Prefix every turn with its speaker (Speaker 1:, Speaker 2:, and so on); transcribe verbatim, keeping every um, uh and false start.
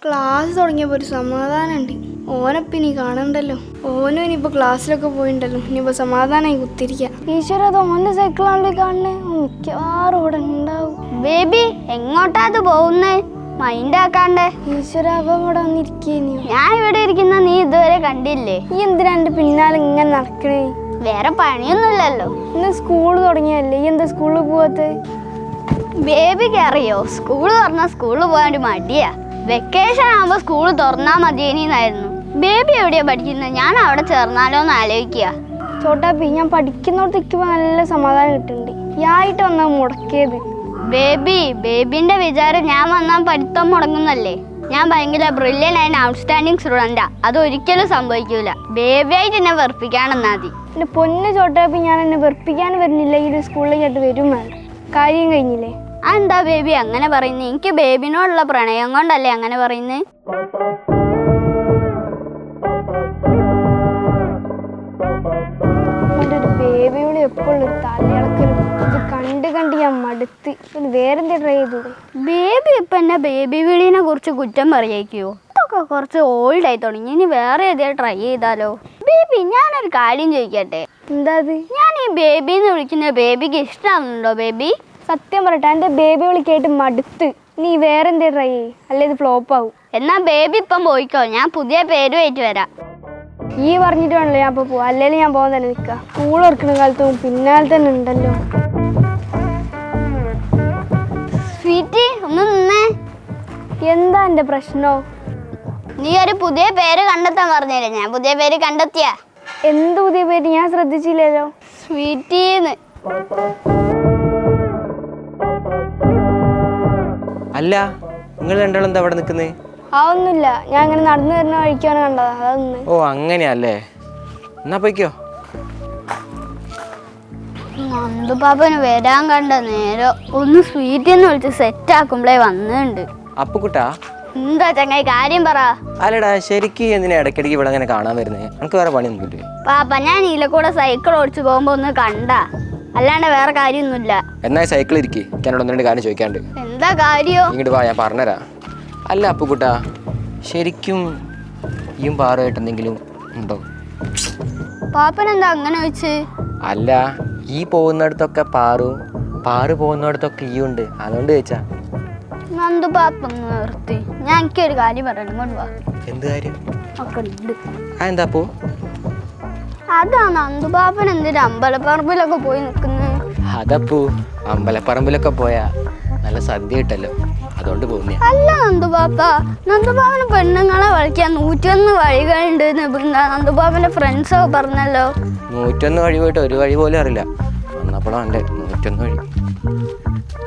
Speaker 1: Class തുടങ്ങിയപ്പോൾ ഒരു സമാധാനമുണ്ട്. ഓനപ്പം ഇനി കാണണ്ടല്ലോ. ഓനും ഇനിയിപ്പോൾ ക്ലാസ്സിലൊക്കെ പോയിണ്ടല്ലോ. ഇനിയിപ്പോൾ സമാധാനമായി കുത്തിരിക്കുക. ഈശ്വര, അത് ഓൻ്റെ സൈക്കിളാണല്ലോ കാണുന്നത്. മിക്കവാറും ഇവിടെ ഉണ്ടാവും.
Speaker 2: ബേബി എങ്ങോട്ടാ അത് പോകുന്നേ? മൈൻഡ് ആക്കാണ്ടേ.
Speaker 1: ഈശ്വര, അവൻ ഇവിടെ വന്നിരിക്കേനി.
Speaker 2: ഞാൻ ഇവിടെ ഇരിക്കുന്ന നീ ഇതുവരെ കണ്ടില്ലേ?
Speaker 1: ഈ എന്തിനാ എൻ്റെ പിന്നാലെ ഇങ്ങനെ നടക്കണേ?
Speaker 2: വേറെ പണിയൊന്നുമില്ലല്ലോ.
Speaker 1: ഇന്ന് സ്കൂൾ തുടങ്ങിയല്ലേ, ഈ എന്താ സ്കൂളിൽ പോവാത്ത?
Speaker 2: ബേബിക്ക് അറിയോ, സ്കൂൾ തുറന്നാൽ സ്കൂളിൽ പോകാൻ ഒരു മടിയാ. വെക്കേഷൻ ആകുമ്പോൾ സ്കൂൾ തുറന്നാൽ മതിയെന്നായിരുന്നു. ബേബി എവിടെയാ പഠിക്കുന്നത്? ഞാൻ അവിടെ ചേർന്നാലോ എന്ന് ആലോചിക്കുക.
Speaker 1: ചോട്ടാപ്പി, ഞാൻ പഠിക്കുന്നോടത്ത് നിൽക്കുമ്പോൾ നല്ല സമാധാനം കിട്ടുന്നുണ്ട്. യായിട്ട് വന്നാൽ മുടക്കിയത്.
Speaker 2: ബേബി ബേബിന്റെ വിചാരം ഞാൻ വന്നാൽ പഠിത്തം മുടങ്ങുന്നല്ലേ? ഞാൻ ഭയങ്കര ബ്രില്യൻ ആൻഡ് ഔട്ട്സ്റ്റാൻഡിങ് സ്റ്റുഡൻറ്റാ. അത് ഒരിക്കലും സംഭവിക്കൂല. ബേബിയായിട്ട് എന്നെ വെറുപ്പിക്കാണെന്നാ മതി.
Speaker 1: എൻ്റെ പൊന്ന് ചോട്ടാപ്പി, ഞാൻ എന്നെ വെറുപ്പിക്കാൻ വരുന്നില്ല. ഈ സ്കൂളിലേക്കായിട്ട് വരും വേണ്ട. കാര്യം കഴിഞ്ഞില്ലേ?
Speaker 2: അതെന്താ ബേബി അങ്ങനെ പറയുന്നത്? എനിക്ക് ബേബിനോടുള്ള പ്രണയം കൊണ്ടല്ലേ അങ്ങനെ പറയുന്നത്?
Speaker 1: എൻ്റെ ഒരു ബേബിയോട് എപ്പോഴും തലയിളക്കലും. ഇത് കണ്ട് കണ്ട് ഞാൻ മടുത്ത്. പിന്നെ വേറെന്താ ട്രൈ ചെയ്തു?
Speaker 2: ബേബി ഇപ്പം എന്നെ ബേബി വിളീനെ കുറിച്ച് കുറ്റം പറയിക്കുവോ? ഇതൊക്കെ കുറച്ച് ഓൾഡ് ആയി തുടങ്ങി. ഇനി വേറെ ഏതെങ്കിലും ട്രൈ ചെയ്താലോ? ബേബി, ഞാനൊരു കാര്യം ചോദിക്കട്ടെ.
Speaker 1: എന്താ അത്?
Speaker 2: ഞാൻ ഈ ബേബിന്ന് വിളിക്കുന്ന ബേബിക്ക് ഇഷ്ടമാകുന്നുണ്ടോ? ബേബി
Speaker 1: സത്യം പറയട്ടെ, എൻ്റെ ബേബി വിളിക്കായിട്ട് മടുത്ത്. നീ വേറെന്തേ ട്രൈ ചെയ്യ്, അല്ലെ ഇത് ഫ്ലോപ്പ് ആവും.
Speaker 2: എന്നാ ബേബി ഇപ്പം പോയിക്കോ, ഞാൻ പുതിയ പേരുമായിട്ട് വരാം.
Speaker 1: ഈ പറഞ്ഞിട്ട് വേണല്ലോ ഞാൻ ഇപ്പോൾ പോവാം. അല്ലെങ്കിൽ ഞാൻ പോകാൻ തന്നെ നിൽക്കുക. സ്കൂൾ തുറക്കുന്ന കാലത്തും പിന്നാലെ തന്നെ ഉണ്ടല്ലോ.
Speaker 2: സ്വീറ്റി, ഒന്ന് നിന്നേ.
Speaker 1: എന്താ എൻ്റെ പ്രശ്നോ?
Speaker 2: നീ ഒരു പുതിയ പേര് കണ്ടെത്താൻ പറഞ്ഞില്ലേ? ഞാൻ പുതിയ പേര് കണ്ടെത്തിയ.
Speaker 1: എന്ത് പുതിയ പേര്? ഞാൻ ശ്രദ്ധിച്ചില്ലല്ലോ.
Speaker 2: സ്വീറ്റീന്ന്.
Speaker 3: അല്ല, നിങ്ങൾ രണ്ടാളും എന്താ അവിടെ നിൽക്കുന്നേ?
Speaker 1: അതൊന്നുമില്ല, ഞാൻ അങ്ങനെ നടന്നു വരുന്ന വഴിക്കാണ് കണ്ടതാ. അതൊന്ന്.
Speaker 3: ഓ അങ്ങനെയല്ലേ, എന്നാ പോയിക്കോ.
Speaker 2: നന്ദുപാപ്പന് വരാൻ കണ്ട നേരം ഒന്ന് സ്വീറ്റിന്ന് വിളിച്ച് സെറ്റ് ആക്കുമ്പോഴേ വന്നിട്ടുണ്ട്.
Speaker 3: അപ്പുക്കുട്ടാ,
Speaker 2: എന്താ ചങ്ങായി കാര്യം പറ.
Speaker 3: അല്ലടാ, ശരിക്കും എന്തിനാ ഇടയ്ക്കിടയ്ക്ക് ഇവിടെ അങ്ങനെ കാണാൻ വരുന്നേ? നമുക്ക് വേറെ പണിയൊന്നുമില്ലേ?
Speaker 2: പാപ്പ, ഞാൻ ഇതിലൂടെ സൈക്കിൾ ഓടിച്ചു പോകുമ്പോ ഒന്ന് കണ്ടാ, അല്ലാണ്ട് വേറെ കാര്യമൊന്നുമില്ല.
Speaker 3: എന്നാ സൈക്കിൾ ഇരിക്കേ, എന്നോട് ഒന്ന് രണ്ട് കാര്യം ചോദിക്കാണ്ട്.
Speaker 2: എന്താ കാര്യോ?
Speaker 3: ഇങ്ങോട്ട് വാ, ഞാൻ പറഞ്ഞുതരാം. അല്ല അപ്പുക്കുട്ടാ, ശരിക്കും ഈയും പാറുമായിട്ട് എന്തെങ്കിലും ഉണ്ടോ?
Speaker 2: പാപ്പൻ എന്താ അങ്ങനെ വെച്ച്?
Speaker 3: അല്ല, ഈ പോകുന്നിടത്തൊക്കെ പാറു, പാറു പോകുന്നിടത്തൊക്കെ ഈ ഉണ്ട്, അതുകൊണ്ട് ചോദിച്ചാ.
Speaker 2: നന്ദു പാപ്പ നിർത്തി, ഞാൻ എനിക്കൊരു കാര്യം പറയണം. ഇങ്ങോട്ട് വാ.
Speaker 3: എന്ത് കാര്യം?
Speaker 2: ഒക്കെ ഉണ്ട്.
Speaker 3: ആ എന്താ അപ്പു?
Speaker 2: അതാ നന്ദുപാപ്പൻ എന്തിനാ അമ്പലപ്പറമ്പിലൊക്കെ പോയി നിൽക്കുന്നത്?
Speaker 3: അതപ്പൂ, അമ്പലപ്പറമ്പിലൊക്കെ പോയാ നല്ല സദ്യ കിട്ടല്ലോ, അതുകൊണ്ട് പോകുന്നേ.
Speaker 2: അല്ല നന്ദുപാപ്പ, നന്ദുപാപ്പന് പെണ്ണുങ്ങളെ വിളിക്കാൻ നൂറ്റൊന്ന് വഴികളുണ്ട്. നന്ദുപാപ്പന്റെ ഫ്രണ്ട്സോ പറഞ്ഞല്ലോ.
Speaker 3: നൂറ്റൊന്ന് വഴി പോയിട്ട് ഒരു വഴി പോലും അറിയില്ല. വന്നപ്പോഴാണ് എൻ്റെ നൂറ്റൊന്ന് വഴി.